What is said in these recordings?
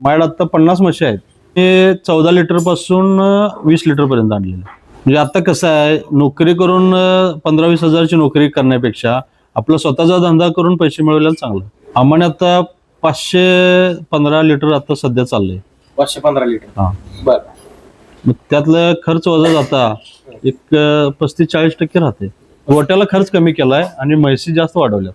माझ्याकडे आता 50 म्हशी आहेत. ते 14 लिटर पासून 20 लिटर पर्यंत आणलेले. म्हणजे आता कसं आहे, नोकरी करून 15-20 हजारची नोकरी करण्यापेक्षा आपला स्वतःचा धंदा करून पैसे मिळवलेला चांगलं. आम्हाला आता 515 लिटर आता सध्या चाललंय. 515 लिटर. हा, बर. मग त्यातलं खर्च वजा जाता एक 35-40% राहते. गोट्याला खर्च कमी केलाय आणि म्हशी जास्त वाढवल्या.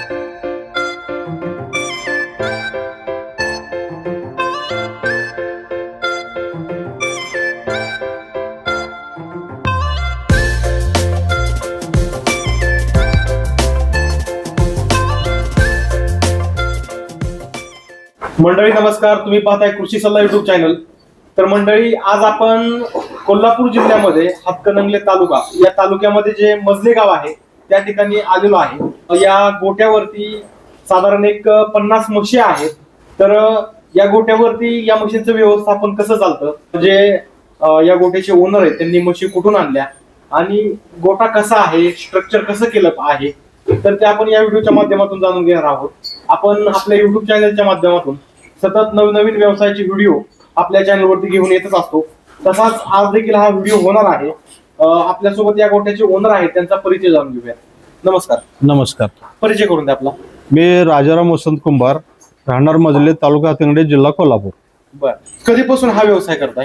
मंडळी नमस्कार, तुम्ही पाहताय कृषी सल्ला युट्यूब चॅनल. तर मंडळी, आज आपण कोल्हापूर जिल्ह्यामध्ये हातकणंगले तालुका या तालुक्यामध्ये जे मजले गाव आहे त्या ठिकाणी आलेलो आहे. या गोट्यावरती साधारण एक 50 म्हशी आहेत. तर या गोट्यावरती या म्हशींचं व्यवस्थापन कसं चालतं, म्हणजे या गोट्याचे ओनर आहेत त्यांनी म्हशी कुठून आणल्या आणि गोटा कसा आहे, स्ट्रक्चर कसं केलं आहे, तर ते आपण या व्हिडिओच्या माध्यमातून जाणून घेणार आहोत. आपण आपल्या युट्यूब चॅनलच्या माध्यमातून सतत नवनवीन व्यवसायाचे व्हिडिओ आपल्या चॅनलवरती घेऊन येतच असतो. तसाच आज देखील हा व्हिडिओ होणार आहे. आपल्यासोबत या गोट्याचे ओनर आहेत, त्यांचा परिचय जाणून घेऊया. नमस्कार. नमस्कार. परिचय करून द्या आपला. मी राजाराम वसंत कुंभार, राहणार मजले, तालुका हातकणंगले, जिल्हा कोल्हापूर. बर. कधीपासून हा व्यवसाय करताय?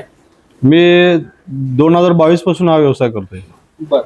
मी 2022 पासून हा व्यवसाय करतोय. बर.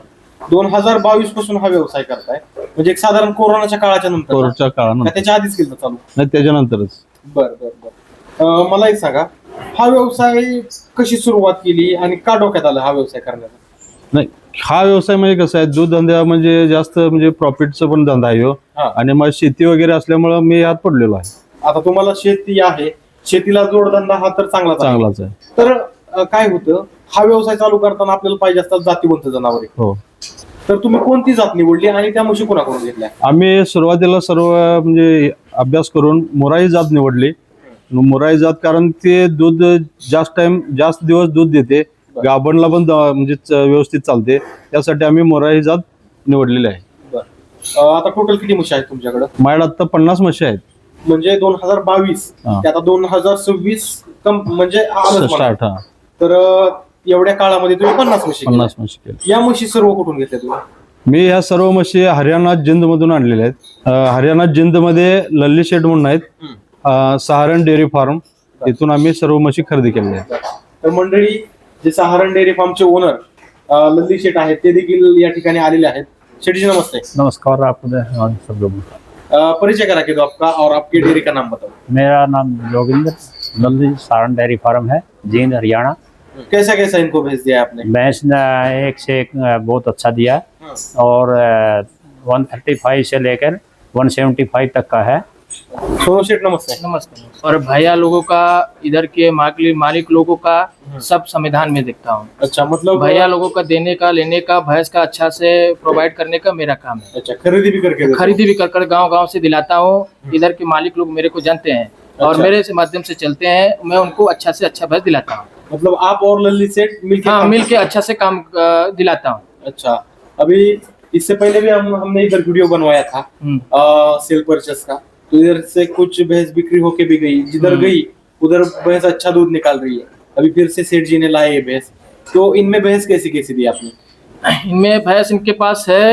2022 पासून हा व्यवसाय करताय, म्हणजे एक साधारण कोरोनाच्या काळाच्या नंतर? कोरोनाच्या काळानंतर. त्याच्या आधीच केलं चालू? नाही, त्याच्यानंतरच. बर बर बर. मला एक सांगा, हा व्यवसाय कशी सुरुवात केली आणि का डोक्यात आलं हा व्यवसाय करण्याचा? नाही, हा व्यवसाय म्हणजे कसं आहे, दूध धंदा म्हणजे जास्त म्हणजे प्रॉफिटचा पण धंदा आहे हो. आणि मग शेती वगैरे असल्यामुळे मी यात पडलेलो आहे. आता तुम्हाला शेती आहे, शेतीला जोडधंदा हा तर चांगलाच आहे. तर काय होतं, हा व्यवसाय चालू करताना आपल्याला पाहिजे असतात जातीवंत जनावरे. हो. तर तुम्ही कोणती जात निवडली आणि त्या म्हशी कोणाकडून घेतल्या? आम्ही सुरुवातीला सर्व म्हणजे अभ्यास करून मुराई जात निवडली. मुराई जात कारण ते दूध जास्त दिवस दूध देते, गाभणला पण म्हणजे व्यवस्थित चालते, त्यासाठी आम्ही मुराई जात निवडलेली आहे. आता टोटल किती म्हशी आहेत तुमच्याकडे? माझ्याकडे आता 50 म्हशी आहेत. म्हणजे 2022 ते आता 2026 म्हणजे स्टार्ट. हा. तर एवढ्या काळामध्ये तुम्ही 50 म्हशी केल्या. या म्हशी सर्व कुठून घेतल्या तुम्ही? मी ह्या सर्व म्हशी हरियाणा जिंद मधून आणलेल्या आहेत. हरियाणा जिंद मध्ये लल्ली शेठ म्हणून आहेत, सहारण डेअरी फार्म, तिथून आम्ही सर्व म्हशी खरेदी केलेल्या आहेत. तर मंडळी, जे सहारण डेअरी फार्मचे ओनर लल्ली शेठ आहेत ते देखील या ठिकाणी आलेले आहेत. शेठजी नमस्ते. नमस्कार. आपको सब लोग परिचय करा के दो आपका और आपकी डेयरी का नाम बताओ. मेरा नाम जोगिंदर, लल्ली सहारण डेयरी फार्म है, जींद हरियाणा. कैसा कैसा इनको भेज दिया आपने? भैंस ने एक से एक बहुत अच्छा दिया है और 135 से लेकर 175 तक का है. सोनू शेठ नमस्ते. नमस्कार. और भैया लोगों का, इधर के मालिक लोगों का सब संविधान में देखता हूँ. अच्छा, मतलब भैया लोगों का देने का, लेने का, भैंस का अच्छा से प्रोवाइड करने का मेरा काम है. अच्छा, खरीदी भी करके खरीदी भी कर गांव से दिलाता हूँ. इधर के मालिक लोग मेरे को जानते हैं और मेरे से माध्यम से चलते हैं. मैं उनको अच्छा से अच्छा भैंस दिलाता हूँ. मतलब आप और लल्ली सेठ मिलके? हाँ, मिल के अच्छा से काम दिलाता हूँ. अच्छा. अभी इससे पहले भी हमने इधर वीडियो बनवाया था सेल परचेस का, तो इधर से कुछ भैंस बिक्री होके भी गई, जिधर गई उधर भैंस अच्छा दूध निकाल रही है. अभी फिर से सेठ जी ने लाए ये भैंस, तो इनमें भैंस कैसी कैसी दी आपने? इनमें भैंस इनके पास है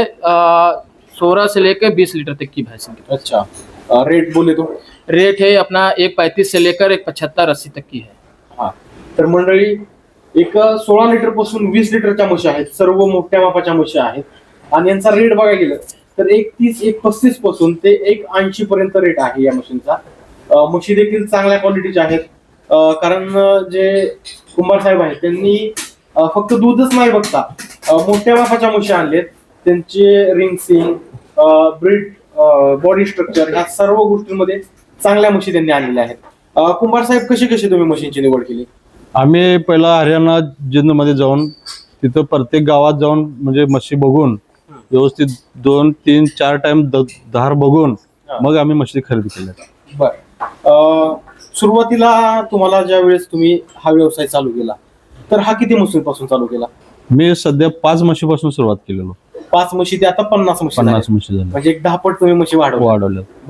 16 से लेकर 20 लीटर तक की भैंस इनके. अच्छा. रेट बोले तो? रेट है अपना 1.35 से लेकर 1.75-80 तक की है. हा. तर मंडळी, एक 16 लिटर पासून 20 लिटरच्या म्हशी आहेत, सर्व मोठ्या मापाच्या म्हशी आहेत. आणि यांचा रेट बघायला गेलं तर 1.30, 1.35 पासून ते 1.80 पर्यंत रेट आहे या मशीनचा. म्हशी देखील चांगल्या क्वालिटीच्या आहेत, कारण जे कुंभार साहेब आहेत त्यांनी फक्त दूधच नाही बघता मोठ्या मापाच्या म्हशी आणलेत. त्यांचे रिंगसिंग, ब्रीड, बॉडी स्ट्रक्चर ह्या सर्व गोष्टींमध्ये चांगल्या म्हशी त्यांनी आणलेल्या आहेत. कुंभार साहेब, कशी कशी तुम्ही म्हशींची निवड केली? आम्ही पहिला हरियाणा जिंद मध्ये जाऊन तिथं प्रत्येक गावात जाऊन म्हणजे म्हशी बघून व्यवस्थित 2, 3, 4 टाइम धार बघून मग आम्ही म्हशी खरेदी केल्या. बर. सुरुवातीला तुम्हाला ज्या वेळेस तुम्ही हा व्यवसाय चालू केला तर हा किती म्हशींपासून चालू केला? मी सध्या 5 म्हशीपासून सुरुवात केलेलो. 5 म्हशी ते आता 50 म्हशी. 50 म्हशी झाल्या, म्हणजे एक 10 पट तुम्ही म्हशी वाढवल्या. वाढवल्या. बर.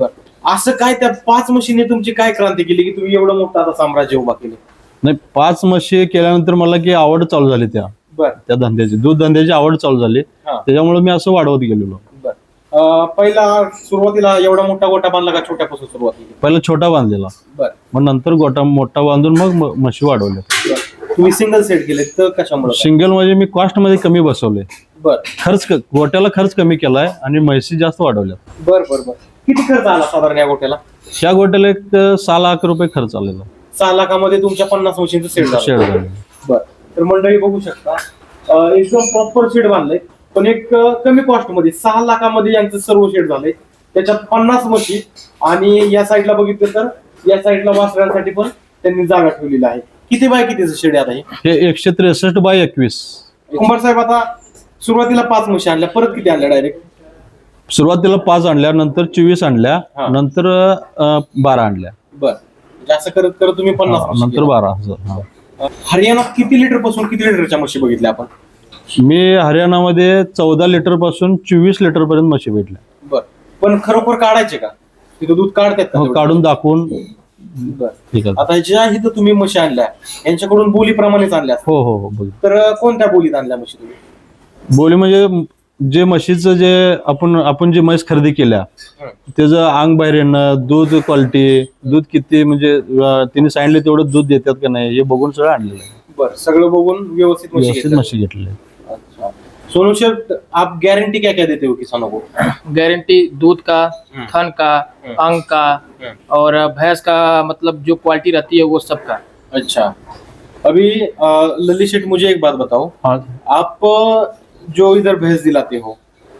असं काय त्या 5 म्हशीने तुमची काय क्रांती केली की तुम्ही एवढं मोठं आता साम्राज्य उभा केलं? नाही, 5 म्हशी केल्यानंतर मला की आवड चालू झाली बर त्या धंद्याची, दूध धंद्याची आवड चालू झाली. हा. त्याच्यामुळे मी असं वाढवत गेलेलो. बर. पहिला सुरुवातीला एवढा मोठा गोटा बांधला का छोट्यापासून सुरुवात केली? पहिला छोटा बांधलेला, बर. मग नंतर गोटा मोठा बांधून मग म्हशी वाढवल्या. तुम्ही सिंगल सेट केले तर कशामुळे? सिंगल म्हणजे मी कॉस्ट मध्ये कमी बसवले, बर गोट्याला खर्च कमी केलाय आणि म्हशी जास्त वाढवल्या. बर बर बर. किती खर्च आला साधारण या गोट्याला? त्या गोट्याला एक 6 लाख रुपये खर्च आलेला. 6 लाखामध्ये तुमच्या 50 म्हशींचं सेट झालं. शेड झाले. बर. तर मंडळी बघू शकता एकदम प्रॉपर शेड बांधलंय, पण एक कमी कॉस्ट मध्ये 6 लाखामध्ये यांचं सर्व शेड झालंय. त्याच्यात 50 म्हशी आणि या साईडला बघितलं तर या साईडला वासरांसाठी पण त्यांनी जागा ठेवलेली आहे. किती बाय कितीचं शेड आहे आता हे? हे 163 बाय 21. कुंभार साहेब, आता सुरुवातीला 5 म्हशी आणल्या, परत किती आणल्या डायरेक्ट? सुरुवातीला 5 आणल्या, नंतर 24 आणल्या, हा. नंतर 12 आणल्या, बर. जास्त करत करत तुम्ही 50 म्हशी नंतर केल्या. 12 असं. हा. हरियाणात किती लिटर पासून किती लिटरच्या म्हशी बघितल्या आपण? मी हरियाणामध्ये 14 लिटर पासून 24 लिटर पर्यंत म्हशी भेटल्या. बर. पण खरोखर काढायचे का तिथं दूध काढतात का? मग काढून दाखवून बर. ठीक आहे. आता ज्या इथं तुम्ही म्हशी आणल्या यांच्याकडून बोलीप्रमाणेच आणल्या असतील. हो, बघ. तर कोणत्या बोलीत आणल्या म्हशी तुम्ही? बोली म्हणजे जे म्हशीचं जे आपण जे म्हैस खरेदी केल्या त्याचं अंग बाहेर येणं, दूध क्वालिटी, दूध किती म्हणजे तिने सांगितलं तेवढं दूध देतात का नाही हे बघून सगळं आणलेलं आहे. बर. सगळं बघून व्यवस्थित म्हशी व्यवस्थित घेतल्या. म्हशी घेतलेल्या आहेत. अच्छा. सोनू शेठ, आप गारंटी क्या क्या देते हो किसानों को? गारंटी दूध का, थन का, अंग का और भैंस का, मतलब जो क्वालिटी रहती है वो सब का। अच्छा. अभी ललित शेठ, मुझे एक बात बताओ, हाँ, आप जो इधर भैंस दिलाते हो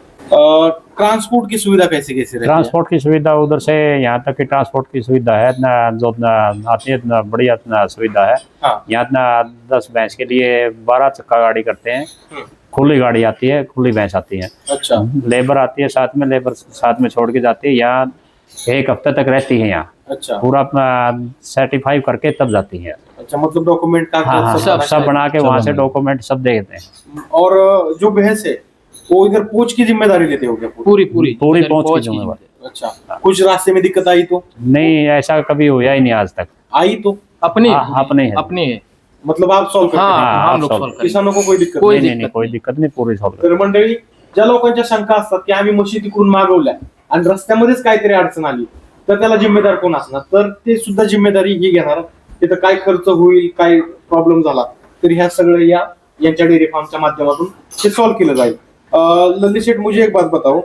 ट्रांसपोर्ट की सुविधा कैसे कैसे रहती है? ट्रांसपोर्ट की सुविधा उधर से यहाँ तक की ट्रांसपोर्ट की सुविधा है ना, जो आती है ना, बढ़िया ना सुविधा है। हाँ. यहाँ ना 10 भैंस के लिए 12 चक्का गाड़ी करते हैं, खुली गाड़ी आती है, खुली भैंस आती है, अच्छा. लेबर आती है साथ में, लेबर साथ में छोड़ के जाती है। यहाँ 1 हफ्ते तक रहती है, यहाँ अच्छा. पूरा अपना सर्टिफाई करके तब जाती है। अच्छा, मतलब डॉक्यूमेंट का हाँ, सब बना के सब वहाँ से बना के। डॉक्यूमेंट सब दे देते हैं। और जो भैंस है वो इधर पूछ की जिम्मेदारी लेते हो क्या? पूरी पूरी पूरी इधर पहुंच की पहुंच की जिम्मेदारी। अच्छा. कुछ रास्ते में दिक्कत आई तो? नहीं, ऐसा कभी हुआ ही नहीं आज तक। आई तो अपनी हाँ, अपने है। अपनी है। मतलब आप सॉल्व करते हाँ, हैं? हाँ, हम लोग सब। solve करेंगे। किसानों को कोई दिक्कत कोई नाही. नहीं, कोई दिक्कत नहीं, पूरी सॉल्व। तर मंडळी, ज्या लोकांच्या शंका असतात की आम्ही म्हशी तिकडून मागवल्या आणि रस्त्यामध्येच काहीतरी अडचण आली तर त्याला जिम्मेदार कोण असणार? तर ते सुद्धा जिम्मेदारी ही घेणार. तिथं काय खर्च होईल, काय प्रॉब्लेम झाला तर ह्या सगळं यांच्या डेअरी फार्मच्या माध्यमातून ते सॉल्व्ह केलं जाईल. ललित शेठ, मुझे एक बात बताओ,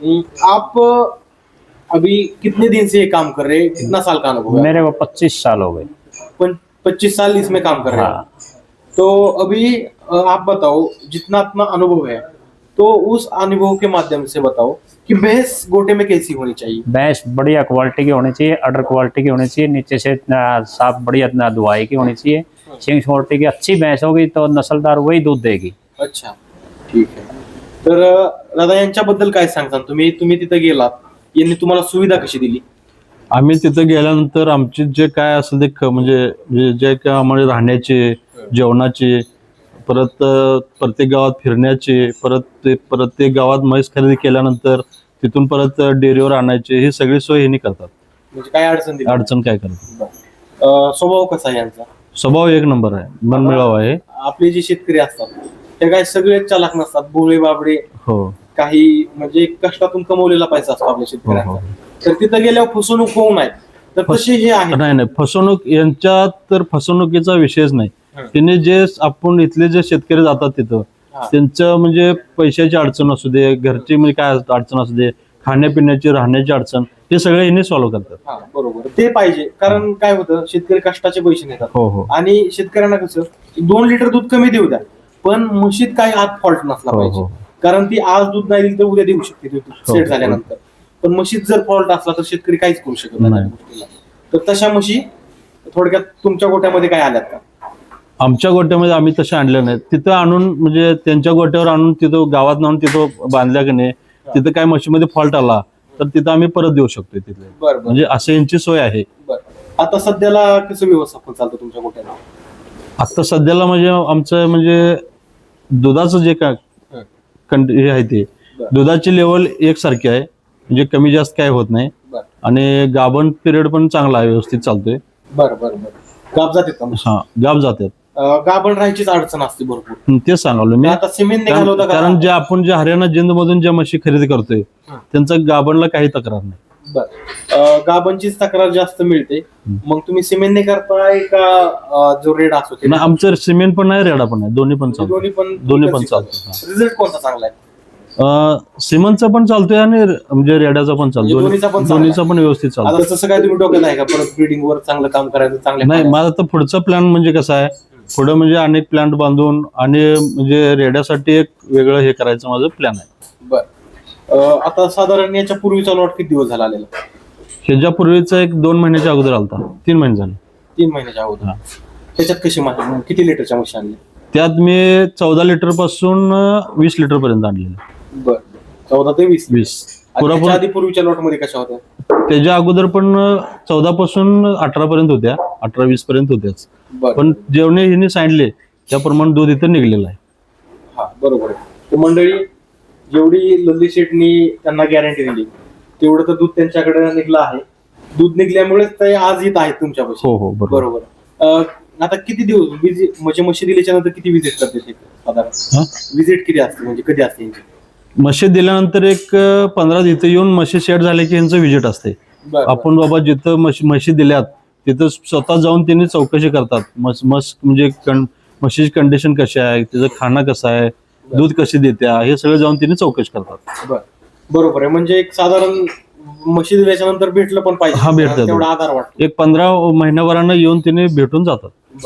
आप अभी कितने दिन से ये काम कर रहे हैं? कितना साल का अनुभव है? मेरे को 25 साल हो गए। 25 साल इसमें काम कर रहे हैं. हाँ, तो अभी आप बताओ, जितना अपना अनुभव है तो उस अनुभव के माध्यम से बताओ कि भैंस गोटे में कैसी होनी चाहिए? भैंस बढ़िया क्वालिटी की होनी चाहिए, अडर क्वालिटी की होनी चाहिए, नीचे से इतना साफ बढ़िया इतना दुआई की होनी चाहिए। सिंग छोटी की अच्छी भैंस होगी तो नस्लदार वही दूध देगी। अच्छा, ठीक आहे. तर दादा, यांच्याबद्दल काय सांगता तुम्ही तिथे गेलात, यांनी तुम्हाला सुविधा कशी दिली? आम्ही तिथं गेल्यानंतर आमचे जे काय असेल ते म्हणजे जे काय आम्हाला राहण्याचे, जेवणाचे, परत प्रत्येक गावात फिरण्याचे, परत प्रत्येक गावात म्हैस खरेदी केल्यानंतर तिथून परत डेअरीवर आणायचे, ही सगळी सोय ह्यांनी करतात. म्हणजे काय अडचण दिली? अडचण काय करतात. स्वभाव कसा आहे यांचा? स्वभाव एक नंबर आहे, मनमिळाव आहे. आपले जे शेतकरी असतात ते काय सगळे चालाक नसतात, भोळे बाबडे, हो, काही म्हणजे कष्टातून कमवलेला पैसा असतो आपल्या हो, शेतकऱ्यांचा. हो. तर तिथं गेल्यावर फसवणूक होऊ नये तर तसे हे आहे. नाही, फसवणूक यांच्यात तर फसवणुकीचा विषयच नाही. त्यांनी जे आपण इथले जे शेतकरी जातात तिथं हा. त्यांचं म्हणजे पैशाची अडचण असू दे, घरची म्हणजे काय अडचण असू दे, खाण्यापिण्याची, राहण्याची अडचण, हे सगळे यांनी सॉल्व्ह करतात. हा, बरोबर. ते पाहिजे, कारण काय होतं, शेतकरी कष्टाचे पैसे नेतात हो, हो, आणि शेतकऱ्यांना कसं 2 लिटर दूध कमी देऊ द्या, पण म्हशीत काही आज फॉल्ट नसला हो, पाहिजे. हो. कारण ती आज दूध नाही दिली तर उद्या देऊ शकते दूध हो, सेट हो. झाल्यानंतर. पण म्हशीत जर फॉल्ट असला तर शेतकरी काहीच करू शकत नाही नाही. त्या गोष्टीला. तर तशा म्हशी थोडक्यात तुमच्या गोट्यामध्ये काय आल्यात का? आमच्या गोट्यामध्ये आम्ही तसे आणले नाहीत. तिथं आणून म्हणजे त्यांच्या गोट्यावर आणून तिथं गावात आणून तिथं बांधल्या की नाही, तिथं काय म्हशीमध्ये फॉल्ट आला तर तिथं आम्ही परत देऊ शकतो तिथले. बरं, म्हणजे असं यांची सोय आहे. बरं. आता सध्याला कसं व्यवस्थापन चालतं तुमच्या गोट्याला? आता सध्याला म्हणजे आमचं म्हणजे दुधाचं जे काय हे आहे ते बरं. दुधाची लेवल एकसारखी आहे, म्हणजे कमी जास्त काय होत नाही. बरं. आणि गाभण पिरियड पण चांगला आहे, व्यवस्थित चालतोय. बरं बरं बरं. गाब जाते का? हा, गाभ जातात. गाभण राहायचीच अडचण असते भरपूर. तेच सांगालो मी. आता सिमेंट निघालं होतं का? कारण आपण जे हरियाणा जिंद मधून ज्या म्हशी खरेदी करतोय त्यांचा गाभणला काही तक्रार नाही. बरं. गाभणचीच तक्रार जास्त मिळते. मग तुम्ही सिमेंटने करताय का जो रेड असतो ते? नाही, आमचं सिमेंट पण नाही, रेडा पण नाही, दोन्ही पण चालतं. दोन्ही पण चालतं. रिझल्ट कोणता चांगला आहे? सिमेंटचा पण चालतोय आणि म्हणजे रेड्याचा पण चालतो. दोन्हीचा पण चांगला दोन्हीचा पण व्यवस्थित चालतो. आता तसं काय तुम्ही डोक्यात आहे का परत ब्रीडिंग वर चांगलं काम करायचं? चांगलं नाही, माझा तर पुढचा प्लॅन म्हणजे कसं आहे, पुढे म्हणजे अनेक प्लांट बांधून आणि म्हणजे रेड्यासाठी एक वेगळं हे करायचं माझं प्लॅन आहे. बरं. आता साधारण याच्या पूर्वीचा लॉट किती दिवस झाला आलेला? ह्याच्यापूर्वीचा एक 2 महिन्याच्या अगोदर आलता, 3 महिने झाले. 3 महिन्याच्या अगोदर. त्याच्यात कशी माहिती, किती लिटरच्या म्हशी आणल्या? त्यात मी 14 लिटर पासून 20 लिटर पर्यंत आणलेलं. बरं. 14 ते 20. 20 त्याच्या आधी पूर्वीच्या लॉट मध्ये कशा होत्या? त्याच्या अगोदर पण 14 पासून 18 पर्यंत होत्या, 18-20 पर्यंत होत्याच. बरं. पण जेवढे हिने सांगितले त्याप्रमाणे दूध इथं निघलेलं आहे. हा, बरोबर आहे. तर मंडळी, जेवढी लल्ली शेटनी त्यांना गॅरंटी दिली तेवढं तर दूध त्यांच्याकडे निघलं आहे. दूध निघल्यामुळेच ते आज येत आहेत तुमच्यापाशी. हो हो, बरोबर. बरोबर. आता किती दिवस म्हणजे म्हशी दिल्याच्या नंतर किती विजिट करते ते साधारण? विजिट किती असते, म्हणजे कधी असते यांची? म्हशी दिल्यानंतर एक 15 इथं येऊन म्हशी सेट झाले की यांचं विजिट असते. आपण बाबा जिथं म्हशी दिल्यात तिथं स्वतः जाऊन त्यांनी चौकशी करतात. म्हणजे म्हशीची कंडिशन कशी आहे, तिचं खाणं कसं आहे, दूध कशी देत्या, हे सगळं जाऊन त्यांनी चौकशी करतात. बरोबर आहे. म्हणजे एक साधारण म्हशी दिल्याच्या नंतर भेटलं पण पाहिजे. हा, भेटतं. तेवढा आधार वाटतो. एक 15 महिन्याभरानं येऊन त्यांनी भेटून जातात.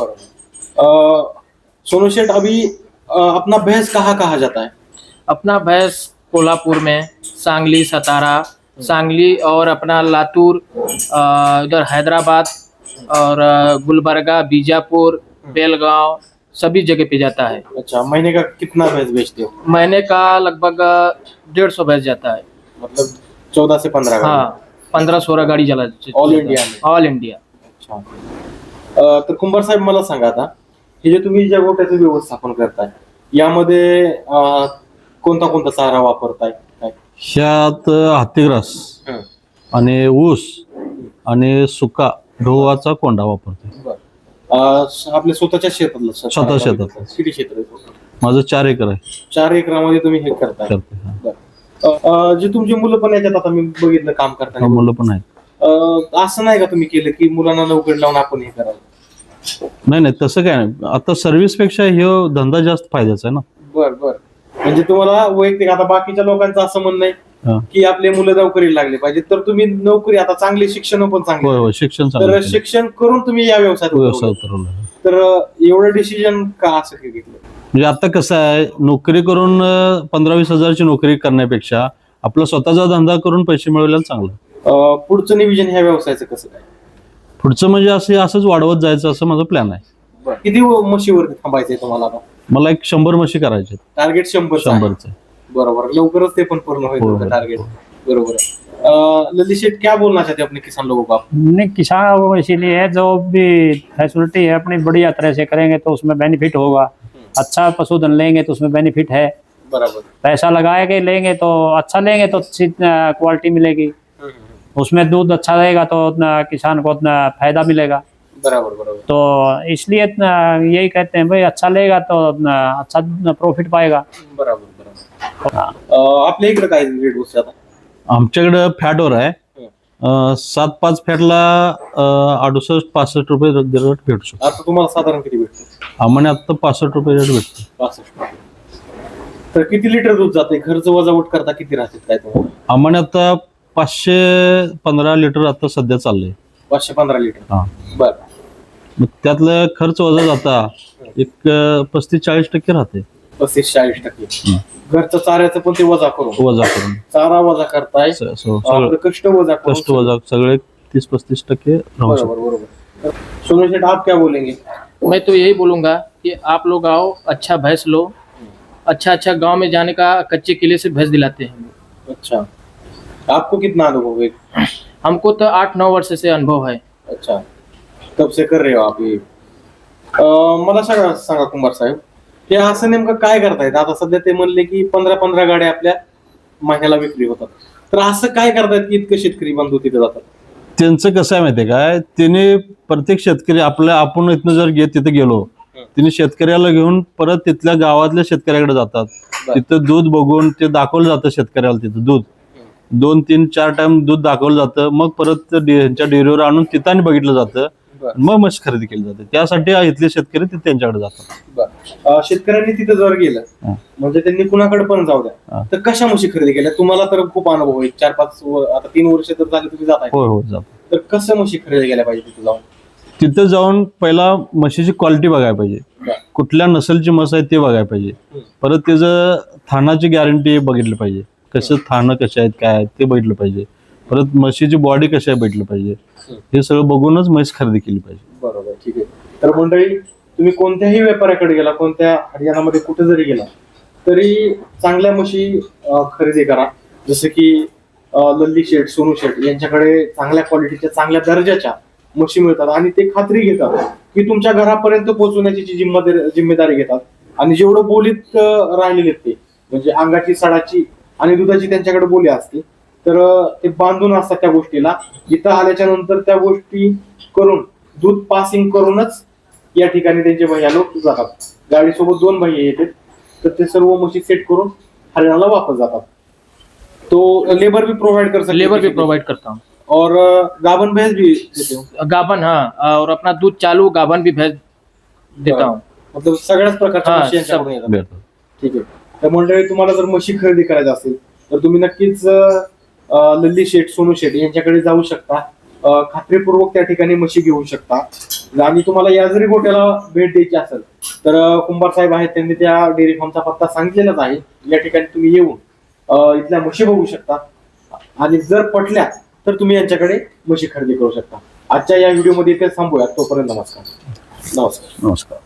बरोबर. सोनू शेठ, अभी अपना भैंस कहाँ जाता है? अपना भैंस कोल्हापुर में, सांगली, सतारा, सांगली और अपना लातूर, इधर हैदराबाद और गुलबर्गा, बीजापुर, बेलगांव, सभी जगह पे जाता है। अच्छा, महीने का कितना भैंस बेचते हो? महीने का लगभग 150 भैंस जाता है। मतलब 14 से 15 गाड़ी? हाँ, 15-16 गाड़ी चला ऑल इंडिया में? All India. अच्छा. तर कुंभार साहेब, मला सांगा आता, हे जे तुम्ही ज्या गोठ्याचं व्यवस्थापन करताय यामध्ये कोणता कोणता चारा वापरताय? काय? ह्यात हत्तीग्रास आणि ऊस आणि सुका गव्हाचा कोंडा वापरतो. आपल्या स्वतःच्या शेतातलं? स्वतः शेतात. किती क्षेत्र आहे? माझं 4 एकर आहे. 4 एकरामध्ये तुम्ही हे करताय? जे तुमची मुलं पण याच्यात, आता मी बघितलं काम करताना, मुलं पण आहेत. असं नाही का तुम्ही केलं की मुलांना नोकरी लावून आपण हे करावं? नाही, तसं काय नाही. आता सर्व्हिस पेक्षा हे धंदा जास्त फायद्याचा आहे ना. बर. म्हणजे तुम्हाला वैयक्तिक, आता बाकीच्या लोकांचं असं म्हणणं आहे की आपले मुलं नोकरीला लागले पाहिजे, तर तुम्ही नोकरी, आता चांगले शिक्षण पण चांगले, शिक्षण तर शिक्षण करून तुम्ही या व्यवसायात उतरवलं. तर एवढं डिसिजन का असं घेतलं? म्हणजे आता कसं आहे, नोकरी करून 15-20 हजारची नोकरी करण्यापेक्षा आपला स्वतःचा धंदा करून पैसे मिळवलेला चांगलं. पुढचं नियोजन ह्या व्यवसायाचं कसं काय? पुढचं म्हणजे असंच वाढवत जायचं असं माझा प्लॅन आहे. किती म्हशीवरती थांबायचंय तुम्हाला आता? मला एक 100 म्हशी करायचे. टार्गेट 100चं? बरोबर. लवकरच ते पण पूर्ण होईल टार्गेट. बरोबर है। ललित शेठ, क्या बोलना चाहते हैं अपने किसान लोगों को आप? नहीं, किसान वो इसीलिए है, जो भी फैसिलिटी है अपनी बढ़िया तरह से करेंगे तो उसमें बेनिफिट होगा। अच्छा पशुधन लेंगे तो उसमें बेनिफिट है। बराबर। पैसा लगा के लेंगे तो अच्छा लेंगे तो अच्छी क्वालिटी मिलेगी, उसमें दूध अच्छा रहेगा तो किसान को फायदा मिलेगा। बराबर बराबर। तो इसलिए यही कहते हैं भाई, अच्छा लेगा तो अच्छा प्रॉफिट पाएगा। बराबर बराबर। आपल्या इकडे काय रेट बसते आता? आमच्याकडे फॅटवर आहे. 7-5 फॅटला 68-65 रुपये रेट भेटू शकतो. आता तुम्हाला साधारण किती भेटतो? आम्हाला आता 65 रुपये रेट भेटतो. 65. तर किती लिटर दूध जाते? खर्च वजावट करता किती राहते काय तुम्हाला? आम्हाला आता 515 लिटर आता सध्या चाललंय. 515 लिटर? हा. बर. मग त्यातलं खर्च वजा जाता एक 35-40% राहते. 35-40%. घरचं चाऱ्याचं पण ते वजा करून चारा वजा करताय, आपलं कष्ट वजा सगळे 30-35% राहू शकतो. बरोबर. सोनू शेठ, आप क्या बोलेंगे? मैं तो यही बोलूंगा कि आप लोग आओ, अच्छा भैंस लो, अच्छा गांव में जाने का कच्चे किले से भैंस दिलाते हैं। अच्छा, आपको कितना अनुभव है? हमको तो 8-9 वर्ष से अनुभव है। अच्छा, कब से कर रहे हो आप ये? मला सांगा कुंभार साहेब, हे असं नेमकं काय करतायत? आता सध्या ते म्हणले की 15 गाड्या आपल्या महिन्याला विक्री होतात. तर असं काय करतात की इतकं शेतकरी बांधव तिथे जातात? त्यांचं कसं आहे माहितीये काय, त्याने प्रत्येक शेतकरी आपण इथनं जर तिथे गेलो, तिने शेतकऱ्याला घेऊन परत तिथल्या गावातल्या शेतकऱ्याकडे जातात. तिथं दूध बघून ते दाखवलं जातं शेतकऱ्याला, तिथं दूध 2, 3, 4 टाइम दूध दाखवलं जातं. मग परत ह्यांच्या डेअरीवर आणून तिथं आणि बघितलं जातं. मग म्हशी खरेदी केली जाते. त्यासाठी इथले शेतकरी ते त्यांच्याकडे जातात. शेतकऱ्यांनी तिथे जर गेलं म्हणजे त्यांनी कुणाकडे पण जाऊ द्या, तर कशा म्हशी खरेदी केल्या? तुम्हाला तर खूप अनुभव आहे, 4-5 आता 3 वर्ष तर झाले तुम्ही जाताय. हो जातो. तर कसं म्हशी खरेदी केल्या पाहिजे तिथे जाऊन? तिथं जाऊन पहिला म्हशीची क्वालिटी बघायला पाहिजे, कुठल्या नसलची म्हस आहे ते बघायला पाहिजे. परत त्याचं थानाची गॅरंटी बघितली पाहिजे, कसं थानं कशा आहेत काय आहेत ते बघितलं पाहिजे. परत म्हशीची बॉडी कशी आहे बघितलं पाहिजे. हे सगळं बघूनच म्हैस खरेदी केली पाहिजे. बरोबर, ठीक आहे. तर मंडळी, तुम्ही कोणत्याही व्यापाऱ्याकडे गेला, कोणत्या हरियाणामध्ये कुठे जरी गेला तरी चांगल्या म्हशी खरेदी करा. जसं की लल्ली शेठ, सोनू शेठ यांच्याकडे चांगल्या क्वालिटीच्या चांगल्या दर्जाच्या म्हशी मिळतात आणि ते खात्री घेतात की तुमच्या घरापर्यंत पोहोचवण्याची जी जिम्मेदारी घेतात. आणि जेवढं बोलीत राहिलेले ते म्हणजे अंगाची, सडाची आणि दुधाची त्यांच्याकडे बोली असते, तर ते बांधून असतात त्या गोष्टीला. इथं आल्याच्या नंतर त्या गोष्टी करून दूध पासिंग करूनच या ठिकाणी त्यांचे भैया लोक जातात. गाडीसोबत 2 भैया येतात, तर ते सर्व म्हशी सेट करून हरियाणाला वापस जातात. तो लेबर भी प्रोवाइड कर सकते, लेबर भी प्रोवाइड करता हूँ, और गाभन भैंस भी देते हो? गाभन, हाँ, और अपना दूध चालू गाभन भी भैंस देता हूँ. मतलब सगळ्याच प्रकारच्या हा, म्हशी यांच्याकडून येतात. भेटतात. ठीक आहे. तर मंडळी, तुम्हाला जर म्हशी खरेदी करायची असेल तर तुम्ही नक्कीच लल्ली शेठ, सोनू शेठ यांच्याकडे जाऊ शकता. खात्रीपूर्वक त्या ठिकाणी म्हशी घेऊ शकता. आणि तुम्हाला या जरी गोट्याला भेट द्यायची असेल तर कुंभार साहेब आहेत, त्यांनी त्या डेअरी फार्मचा पत्ता सांगितलेलाच आहे. या ठिकाणी तुम्ही येऊन इथल्या म्हशी बघू शकता आणि जर पटल्या तर तुम्ही यांच्याकडे म्हशी खरेदी करू शकता. आजच्या या व्हिडिओमध्ये इथे थांबूया. तोपर्यंत नमस्कार. नमस्कार.